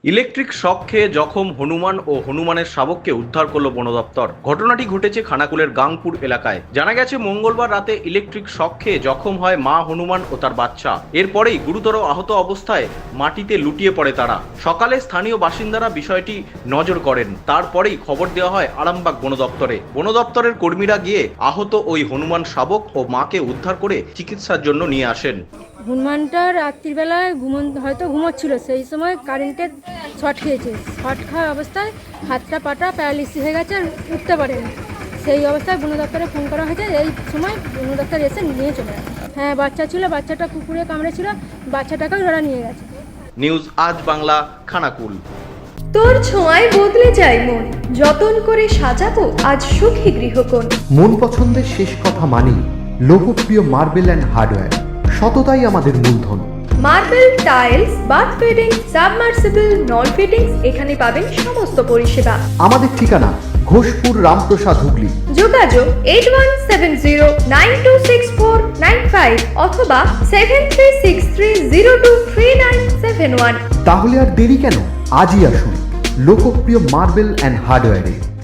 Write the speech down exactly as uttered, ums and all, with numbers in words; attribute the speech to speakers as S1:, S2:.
S1: Electric shock খেয়ে জখম হনুমান ও হনুমানের শাবককে উদ্ধার করল বন দপ্তর। ঘটনাটি ঘটেছে খানাকুলের গাংপুর এলাকায়। জানা গেছে, মঙ্গলবার রাতে ইলেকট্রিক শক খেয়ে জখম হয় মা হনুমান ও তার বাচ্চা। এরপরেই গুরুতর আহত অবস্থায় মাটিতে লুটিয়ে পড়ে তারা। সকালে স্থানীয় বাসিন্দারা বিষয়টি নজর করেন। তারপরেই খবর দেওয়া হয় আরামবাগ বন দপ্তরে। বন দপ্তরের কর্মীরা গিয়ে আহত ওই হনুমান শাবক ও মাকে উদ্ধার করে চিকিৎসার জন্য নিয়ে আসেন।
S2: হনুমানটা রাত্রিবেলায় ঘুমন হয়তো ঘুমোচ্ছিল, সেই সময় কারেন্টের শর্ট খেয়েছে। শর্ট খাওয়া অবস্থায় হাতটা পাটা প্যারালিসিস হয়ে গেছে, আর উঠতে পারেনি। সেই অবস্থায় বন দপ্তরে ফোন করা হয়েছে। এই সময় বন দপ্তর এসে নিয়ে চলে গেছে। হ্যাঁ, বাচ্চা ছিল, বাচ্চাটা কুকুরে কামড়েছিল, বাচ্চাটাকেও ওরা নিয়ে গেছে।
S1: নিউজ আজ বাংলা, খানাকুল।
S3: তোর ছোঁয়ায় বদলে যায় মন, যতন করে সাজাবো আজ সুখী গৃহকোণ।
S4: মন পছন্দের শেষ কথা মানি লোকপ্রিয় মার্বেল অ্যান্ড হার্ডওয়্যার, সততাই আমাদের মূলধন।
S3: Marble, tiles, bath fitting, submersible, নল ফিটিংস, এখানে পাবেন সমস্ত পরিষেবা।
S4: আমাদের ঠিকানা ঘোষপুর, রামপ্রসাদ, হুগলি।
S3: যোগাযোগ eight one seven zero nine two six four nine five অথবা seven three six three zero two three nine seven one.
S4: তাহলে আর দেরি কেন, আজই আসুন লোকপ্রিয় মার্বেল অ্যান্ড হার্ডওয়্যারে।